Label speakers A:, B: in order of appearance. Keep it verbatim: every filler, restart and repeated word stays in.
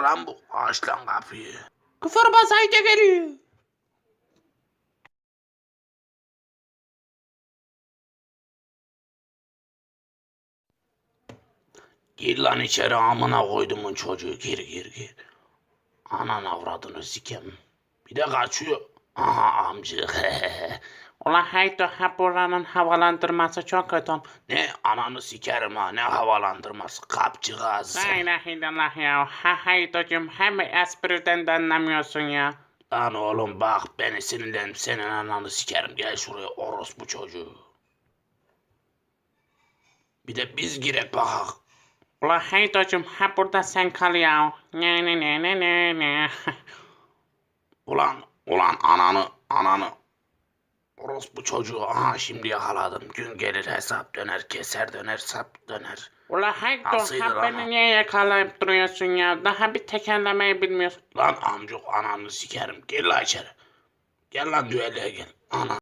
A: lan bu? Aç lan kapıyı.
B: Küfür basaydı geliyor.
A: Gir lan içeri amına koydumun çocuğu. Gir gir gir. Anan avradını sikem. Bir de kaçıyor. Aha amcık.
B: Ulan haydi ha buranın havalandırması çok kötü.
A: Ne ananı sikerim ha, ne havalandırması, kapçıgaz.
B: La ilahe illallah ya. Ha haydacım hem espriden de anlamıyorsun ya.
A: Lan oğlum bak, beni sinirlendim, senin ananı sikerim, gel şuraya orospu çocuğu. Bir de biz girek bakak.
B: Ulan haydacım ha burada sen kal ya. Ne ne ne ne ne ne.
A: Ulan ulan ananı ananı. Orospu çocuğu, aha şimdi yakaladım. Gün gelir hesap döner, keser döner, sap döner.
B: Ulan haydi
A: Nasıldı
B: ha
A: lan
B: beni
A: o?
B: niye yakalayıp duruyorsun ya. Daha bir tekerlemeyi bilmiyorsun.
A: Lan amcuk, ananı sikerim, gel lan içeri. Gel lan düelleye gel. Ana.